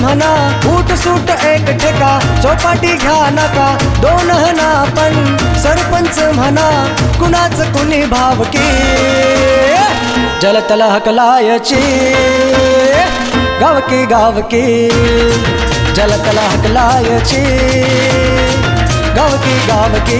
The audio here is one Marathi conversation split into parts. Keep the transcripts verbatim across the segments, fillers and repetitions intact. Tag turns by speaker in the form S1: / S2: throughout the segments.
S1: म्हणा फूट सूट एक ठेका चौपाटी घ्या नका दोन हना पण सरपंच म्हणा कुणाच कुणी भावकी जलतल हकलायची गावकी गावकी जलतल हकलायची गावकी गावकी.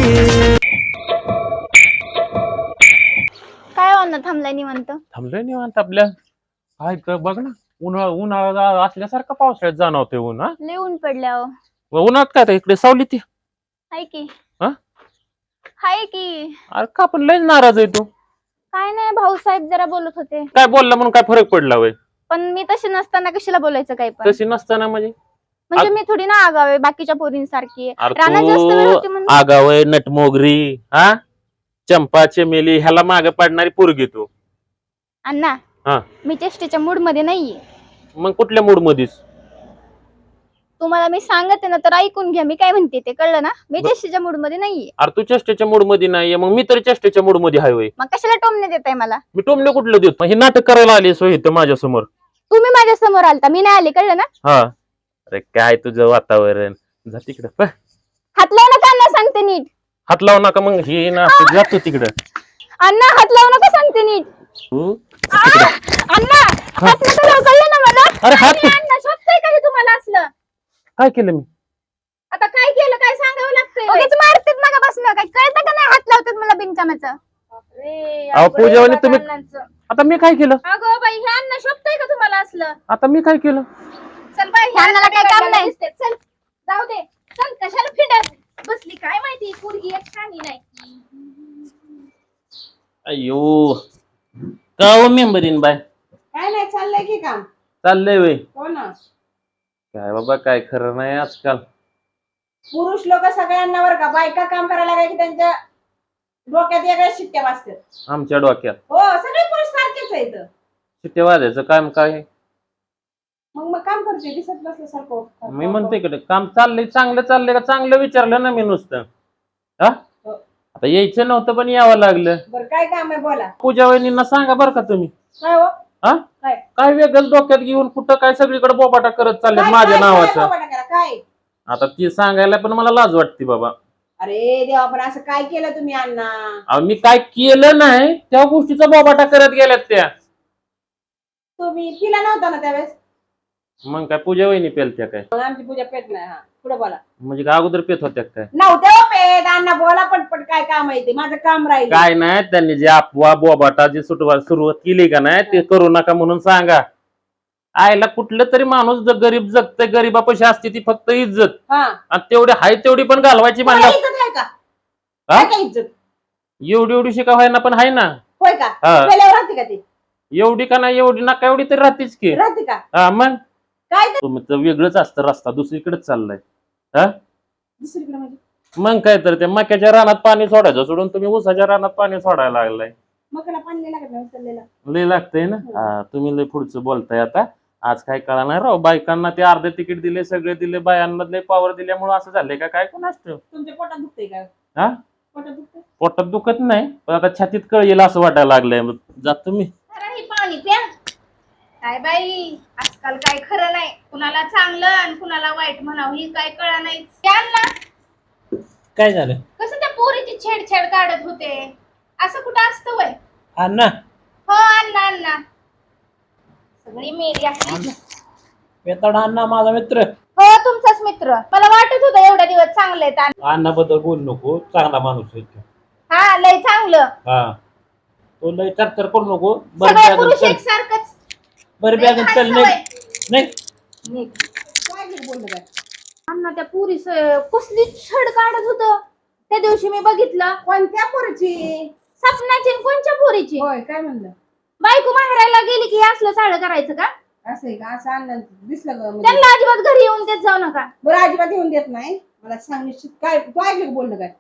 S2: काय होणार थांबलाय निवांत?
S3: थांबलोय निवांत आपल्या. काय कर बघ ना, उन्हाळा उन्हाळा असल्यासारखं पावसाळ्यात जाणवते ऊन. हा
S2: लय ऊन पडल्या हो.
S3: उन्हात काय आता इकडे सावली ती
S2: हाय की
S3: हा
S2: हाय की.
S3: अरे का पण लयच नाराज आहे तू.
S2: काय नाही, भाऊसाहेब जरा बोलत होते.
S3: काय बोलला म्हणून काय फरक पडला वय?
S2: पण मी तशी नसताना कशाला बोलायचं काय पण?
S3: तशी नसताना म्हणजे
S2: म्हणजे मी थोडी ना आगाव आहे बाकीच्या पोरींसारखी.
S3: अरे
S2: रानात जास्त वेळ होती
S3: तू
S2: म्हणून.
S3: आगावय नटमोगरी हा चंपा चमेली ह्याला मागे पडणारी पोरगी तू.
S2: अण्णा
S3: हा
S2: मी चेष्टेच्या मूड मध्ये नाहीये.
S3: मग कुठल्या मूड मध्येस?
S2: तुम्हाला मी सांगते ना तर ऐकून घ्या मी काय म्हणते ते, कळलं ना? मी चेष्टेच्या मूड मध्ये नाहीये.
S3: अरे तू चेष्टेच्या मूड मध्ये नाहीये, मग मी तरी चेष्टेच्या मूड मध्ये हाय वय.
S2: मग कशाला टोमणे देताय मला?
S3: मी टोमले कुठलं देतो? हे नाटक करायला आली सो इथं माझ्या समोर.
S2: तुम्ही माझ्या समोर आलता, मी नाही आले, कळलं ना?
S3: हा अरे काय तुझं वातावरण. जा तिकडं
S2: हात लावू नका अण्णा, सांगते नीट.
S3: हात लावू नका मग हे ना जातो तिकडं.
S2: अण्णा हात लावू नका, सांगते नीट.
S3: तू
S2: आ! अण्णा हात नका लावू, कळलं ना मला?
S3: अरे हात
S2: नाही, अण्णा शोभतंय का हे तुम्हाला असलं?
S3: काय केलं मी?
S2: आता काय केलं, काय सांगावं लागतंय? उगीच मारतेत नका बसणं, काय कळतं का नाही? हात लावतात मला बिनकामाचं.
S3: अहो पूजावानी तुम्ही आता मी काय केलं?
S2: अगं बाई हे अण्णा शोभतंय का तुम्हाला असलं?
S3: आता मी काय केलं?
S2: चल बाई ह्या अण्णाला काय काम नाही. चल जाऊ दे, चल कशाला फिडत बसली काय माहिती, पोरगी एक छानी नाही.
S3: अयो का हो मेंबरीन बाय?
S4: काय नाही, चाललंय की काम.
S3: चाललंय वय.
S4: हो ना.
S3: काय बाबा काय खरं नाही आजकाल.
S4: पुरुष लोक सगळ्यांना वर का, बायका काम करायला काय की त्यांच्या डोक्यात वेगळ्या शिट्ट्या वाजतात.
S3: आमच्या डोक्यात
S4: हो सगळे पुरुष सारखेच आहेत.
S3: शिट्टे वाजायचं काम काय?
S4: मग मग काम करते दिसत नसल्यासारखं.
S3: मी म्हणते इकडे काम चाललंय, चांगलं चाललंय का? चांगलं विचारलं ना मी नुसतं. हा आता यायचं नव्हतं पण यावं लागलं.
S4: बरं काय काम आहे बोला.
S3: पूजा वहिनींना सांगा बरं का तुम्ही.
S4: काय हो
S3: हा
S4: काय
S3: काय वेगळं डोक्यात घेऊन कुठं काय सगळीकडे बोबाटा करत चालले
S4: काय-
S3: माझ्या
S4: काय- काय
S3: नावाचं.
S4: बोबाटा करा, काय?
S3: आता ती सांगायला पण मला लाज वाटते बाबा.
S4: अरे देवा, पण असं काय केलं तुम्ही अण्णा?
S3: अहो मी काय केलं नाही त्या गोष्टीचा बोबाटा करत गेल्यात त्या.
S4: तुम्ही पिला नव्हता ना त्यावेळेस?
S3: मग काय पूजा वहिनी पेलत्या काय?
S4: मग आमची पूजा पेट नाही. हा पुढे बोला.
S3: म्हणजे काय अगोदर पेत होत्या काय?
S4: नव्हते हो पेट. अण्णा बोला पटपट, काय काम आहे ते? माझं काम राहील.
S3: काय नाही, त्यांनी जे अफवा बोबाटा जी सुटवा सुरुवात केली का नाही ते करू नका म्हणून सांगा. आयला कुठलं तरी माणूस जर गरीब जगतय, गरीबापाशी असते ती फक्त इज्जत,
S4: हा
S3: आणि तेवढी हाय तेवढी पण घालवायची
S4: तुम्हाला
S3: म्हणलं.
S4: इज्जत आहे का?
S3: हा?
S4: काय काय इज्जत?
S3: एवढी एवढी शिका व्हायना पण हाय ना.
S4: होय का?
S3: हा.
S4: पेल्यावर राहते का ती?
S3: एवढी का नाही, एवढी नका एवढी तरी राहतेच की.
S4: राहते का?
S3: हा मग
S4: काय ते?
S3: तुमचं वेगळंच असतं, रस्ता दुसरीकडेच चाललाय. हा
S4: दुसरीकडे म्हणजे
S3: मग काय तर ते मक्याच्या रानात पाणी सोडायचं सोडून तुम्ही ऊसाच्या रानात पाणी सोडायला लागलाय.
S4: मकाला पाणी नाही लागत ना उचललेला.
S3: लय लागतंय ना. हा तुम्ही लय पुढचं बोलताय आता. आज काय कळा नाही राव, बायकांना ते अर्धे तिकीट दिले, सगळे दिले, बायांना लय पॉवर दिल्यामुळे असं झालंय का काय कोण असतं?
S4: तुमच्या पोटात दुखतंय का?
S3: हा
S4: पोटात दुखतंय?
S3: पोटात दुखत नाही पण आता छातीत कळ येईल असं वाटायला लागलंय. मग जात तुम्ही.
S2: अरे हे पाणी प्या. काय बाई आजकाल काय खरं नाही, कुणाला चांगलं आणि कुणाला वाईट म्हणावं ही काय कळा नाही. त्यांना
S5: काय झालं
S2: कसं त्या पोरीची छेडछाड काढत होते, असं कुठं असतं वय?
S5: अण्णा?
S2: हो अण्णा अण्णा सगळी मेली असली.
S5: वेताडा अण्णा माझा मित्र.
S2: हो तुमचाच मित्र. मला वाटत होतं एवढ्या दिवस चांगले आहेत.
S5: अण्णा बद्दल बोलू नको, चांगला माणूस आहे तो.
S2: हा लय चांगलं.
S5: हा तो लय चर्चा करू नको.
S2: सगळे पुरुष एकसारखंच.
S5: बरं
S2: लय
S5: बॅग
S2: घाण
S5: चल
S2: सवय.
S5: नाही.
S4: काय नाही बोललं काय?
S2: अण्णा त्या पुरी कसली छड काढत होत त्या दिवशी मी बघितलं.
S4: कोणत्या पोरीची?
S2: सपनाची आणि कोणच्या पोरीची?
S4: होय काय म्हणलं?
S2: बायको माहेरायला गेली की हे असलं चाळ करायचं का?
S4: असं आहे का? असं अण्णा दिसलं का म्हणजे?
S2: त्यांना अजिबात घरी येऊन देत जाऊ नका.
S4: बरं अजिबात येऊन देत नाही. मला सांग निश्चित काय तू ऐकलं का बोललं काय?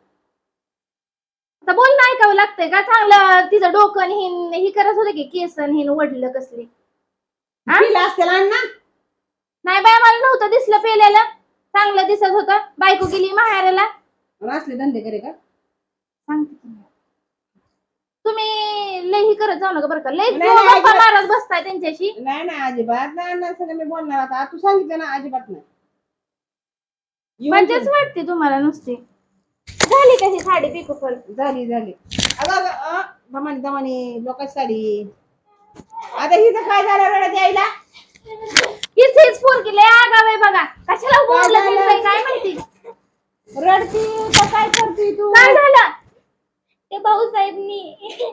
S2: आता बोलणं ऐकावं लागतंय का? चांगलं तिचं डोकं आणि हिन ही करत होते की केस आणि हिन वडलं कसली. हा?
S4: पिला असतील अण्णा?
S2: नाही बाय मला नव्हतं दिसलं पेलेलं, चांगलं दिसत होतं. बायको गेली माहेराला.
S4: असले धंदे करे का?
S2: सांगते की. तुम्ही लई ही करत जाऊ नका बरं का लई
S4: नाही, नाही,
S2: गप्पा
S4: अजिबात.
S2: मारत बसताय त्यांच्याशी.
S4: नाही नाही अजिबात नाही अण्णांसंग मी बोलणार आता तू सांगितलं ना अजिबात नाही येऊन
S2: मजाच
S4: जा.
S2: वाटते तुम्हाला नुसती. झाली कशी साडी पिकोफल?
S4: झाली झाली अगं अगं अ, दमानी दमानी लोकांची साडी आता हिचं काय झालं रडत यायला
S2: हीच हीच पोरगी लय आगाव आहे बघा. कशाला बोललं
S4: झालं?
S2: बिललंय काय माहिती.
S4: रडती तर काय करते तू
S2: काय झालं? ते भाऊसाहेबनी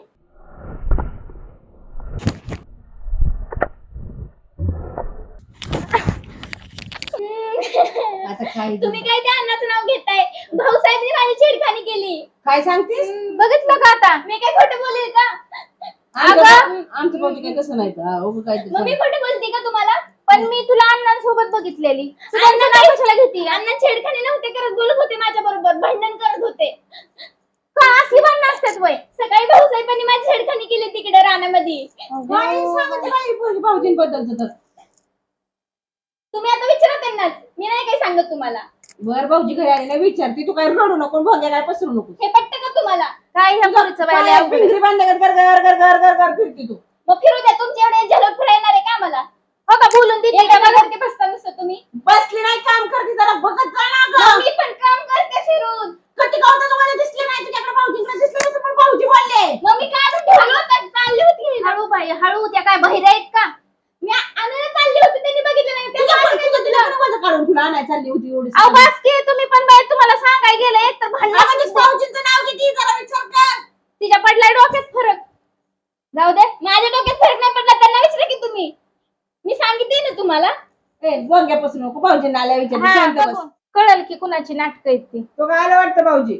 S4: आता काय
S2: तुम्ही काय त्या अन्नाचं नाव घेताय? भाऊसाहेबनी माझी छेडखानी केली.
S4: काय सांगतेस
S2: बघितलं का आता? मी काय खोटं बोलेल का?
S4: आमचं
S2: अगं.
S4: आमचं भाऊजी काय तसं नाही तर उगं काय ते
S2: मग मी खोटं बोलते का तुम्हाला? पण मी तुला अण्णांसोबत बघितलेली. तू त्यांचं नाव कशाला घेते? अण्णा छेडखानी नव्हते करत, बोलत होते माझ्या बरोबर, भांडण करत होते. का असली भांडणं असतात वय? सकाळी भाऊसाहेबांनी माझी छेडखानी केली तिकडे रानामध्ये.
S4: काय सांगते बाई पोरगी भाऊजींबद्दलचं तर
S2: तुम्ही आता विचारा त्यांनाच, मी नाही काही सांगत तुम्हाला.
S4: बर भाऊजी घरी आलेला विचारते तू काय रडू नको भोग्या काय पसरू नको
S2: हे पटतं का तुम्हाला? काय ह्या पोरीचं बाई लय
S4: काय
S2: अवघड आहे.
S4: पिंजरी बांधल्या कर कर कर कर कर कर फिरती तू
S2: मग फिरू द्या, तुमच्या एवढे झलक फिरायणार आहे का मला? हो का बोलून देते का बघा बसता नुसतं तुम्ही?
S4: बसली नाही काम करते जरा बघत जा ना
S2: मग
S4: गं.
S2: मी पण काम करते फिरून.
S4: कधी गावता तुम्हाला दिसले नाही तुझ्याकडे भाऊजींकडे दिसले नसेल, पण भाऊजी बोलले
S2: मग मी काय म्हणते, हळू आता चालली होती. हळू बाई हळू, त्या काय बहिरा आहेत का? मी आणायला चालली होती, त्यांनी बघितलं नाही.
S4: तुझ्या
S2: त्यांनी
S4: पण
S2: काय
S4: तुझं
S2: केलं?
S4: तिला पण माझं काढून तुला आणायला चालली होती एवढी
S2: अहो बस की, तुम्ही पण बाई तुम्हाला सांगाय गेलं एक तर
S4: अगं, ते
S2: भांडण.
S4: भाऊजींचं नाव किती जरा विचार कर
S2: तिच्या पडलाय डोक्यात फरक. जाऊ दे, माझ्या डोक्यात फरक नाही पडला, त्यांना विचारा की तुम्ही. मी सांगितले ना तुम्हाला.
S4: ए बोंग्यापासून नको भाऊजींना आल्या विचार
S2: हा,
S4: शांत बस
S2: बघू. कळेल की कुणाची नाटकं आहेत ती.
S4: तो काय आलं वाटतं भाऊजी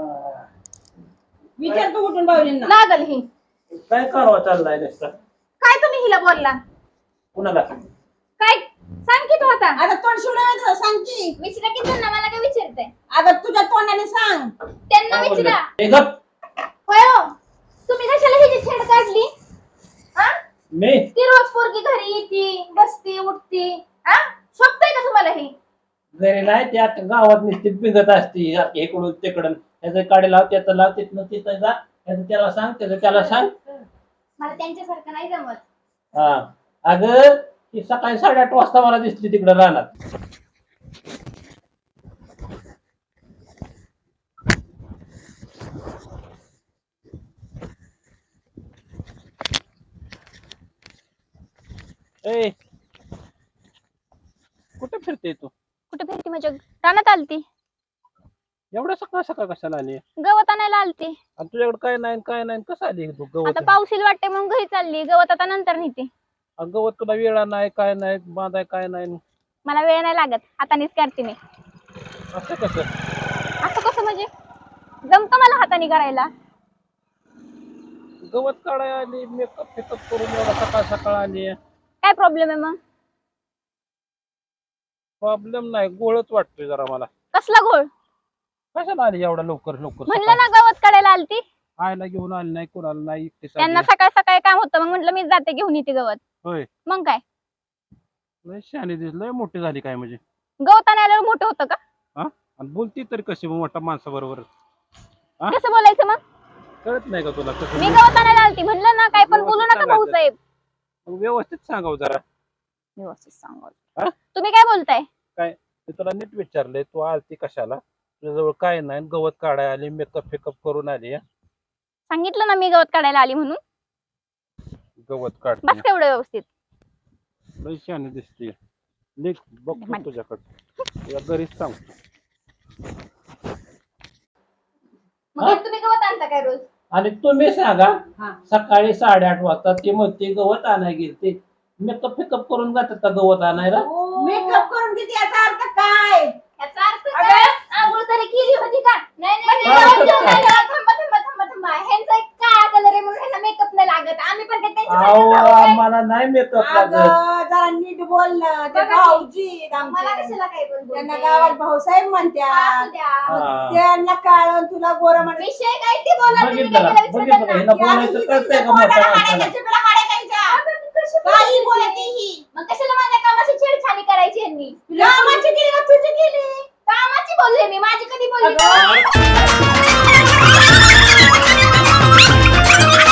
S4: विचार तू कुठून भाऊजींना
S2: लागल ही.
S5: काय करावं चाललाय नुसतं
S2: काय तुम्ही हिला बोलला?
S5: कुणाला
S2: काय सांग की तू आता.
S4: आता तोंड शिवलं सांग की
S2: विचारा की त्यांना, मला काय विचारताय?
S4: अगं तुझ्या तोंडाने सांग
S2: त्यांना विचारा.
S5: ए, गप.
S2: होय हो. तुम्ही कशाला हिची छेड काढली? हा?
S5: मी
S2: ती रोज पोरगी घरी येते, बसती, उठती. हा? शोभतंय का तुम्हाला हे?
S5: घरी नाही ते आता गावात नुसती बिगत असते सारखी इकडून तिकडून त्याचं काढे लाव त्याचं लाव तिथनं तिथं जा त्याचं त्याला सांग त्याचं त्याला सांग
S2: मला त्यांच्यासारखं नाही जमत.
S5: हा अगं ती सकाळी साडेआठ वाजता मला दिसली तिकडं रानात. ए कुठे फिरते तू?
S6: कुठे फिरती म्हणजे रानात आलती,
S5: एवढ्या सकाळ सकाळ कशाला आली?
S6: गवत आणायला आलती.
S5: आणि तुझ्याकडे काय नाही काय नाही कसं आली तू गवत?
S6: आता पाऊस येईल वाटते म्हणून घरी चालली, गवत आता नंतर नेते.
S5: आणि गवत तुला वेळा नाही काय नाही बांधाय काय नाही
S6: मला वेळ नाही लागत, हातानेच करते मी.
S5: असं कसं?
S6: असं कसं म्हणजे? जमतं मला हाताने करायला.
S5: गवत काढाय आली मेकअप फेकअप करून एवढा सकाळ सकाळ आली.
S6: काय प्रॉब्लेम आहे मग?
S5: प्रॉब्लेम नाही गोळच वाटतोय जरा मला.
S6: कसला घोळ?
S5: कशाला आली एवढा लवकर लवकर
S6: म्हणलं ना गवत काढायला आलती.
S5: आयला घेऊन आली नाही कोणाला नाही एकटीच आली.
S6: त्यांना सकाळ सकाळी काम होतं, मग म्हटलं मी जाते घेऊन येते गवत.
S5: होय
S6: मग काय,
S5: लय शहाणी दिसलंय मोठी झाली काय म्हणजे?
S6: गवत आणायला मोठं होतं का?
S5: आणि बोलती तरी कशी मोठ्या माणसाबरोबर हा?
S6: कसं बोलायचं मग?
S5: कळत नाही का तुला कसं?
S6: मी गवत आणायला आलती म्हणलं ना, काय पण बोलू नका भाऊसाहेब.
S5: मग व्यवस्थित सांगाव जरा.
S6: व्यवस्थित सांगा.
S5: हा?
S6: तुम्ही काय बोलताय?
S5: काय मी तुला नीट विचारलंय तू आलती कशाला? तुझ्याजवळ काय नाही गवत काढाय आली मेकअप फेकअप करून आली हा?
S6: सांगितलं ना मी गवत काढायला आली म्हणून.
S5: गवत
S6: बस
S5: काढते
S6: केवढं व्यवस्थित.
S5: लय शहाणी दिसते. निघ बघतो तुझ्याकडे या घरीच सांगतो.
S2: मग तुम्ही गवत आणता काय रोज?
S5: आणि तुम्ही सांगा
S4: हा.
S5: सकाळी साडेआठ वाजता ते म्हणते गवत आणाय गेलते मेकअप फेकअप करून जातात का गवत आणायला?
S4: मेकअप करून किती याचा अर्थ काय
S2: याचा अर्थ काय? आंघोळ तरी केली होती का? नाही नाही
S5: काय
S2: नाही,
S5: अर्थ
S2: जाऊ,
S5: काय?
S2: जाऊ, जाऊ, थांबा थांबा थांबा थांबा. ह्यांचा एक काळा कलर आहे म्हणून ह्यांना मेकअप नाही लागत. आम्ही पण काय त्यांच्यासारखं
S5: अहो
S2: जाऊ काय?
S5: आम्हाला नाही मेकअप लागत.
S4: अगं जरा नीट बोल ना ते
S2: बघा की.
S4: भाऊजी
S2: मला
S4: आमचे.
S2: कशाला काय पण बोलते?
S4: त्यांना गावात भाऊसाहेब म्हणत्या
S2: असू द्या.
S5: हा.
S4: त्यांना काळ तुला गोर म्हणत
S2: विषय काय ते बोला तुम्ही
S5: बघितलं
S2: काय
S5: का
S2: त्याला
S5: बघितलं का
S2: विचारतात
S5: हिला
S2: ना?
S5: बोलायचं कळतंय का मोठ्या माणसाला?
S4: काही बोलत ही
S2: मग कशाला माझ्या कामाची छेडछाडी करायची यांनी?
S4: कामाची केली का तुझी केली
S2: कामाची बोलले मी, माझी कधी बोलली
S4: अगं.
S2: का?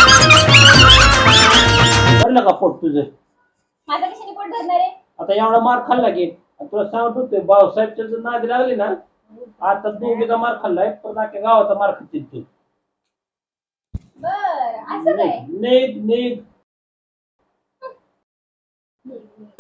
S5: पोट तुझं.
S2: माझा कशाने पोट धरणार आहे?
S5: आता एवढा मार खाल्ला की आणि तुला सांगत होते भाऊसाहेबच्या जर नादी लागली ना आता दोघीचा मार खाल्लाय पण अख्ख्या गावाचा मार खातील तू.
S2: बर असं काय?
S5: निघ निघ.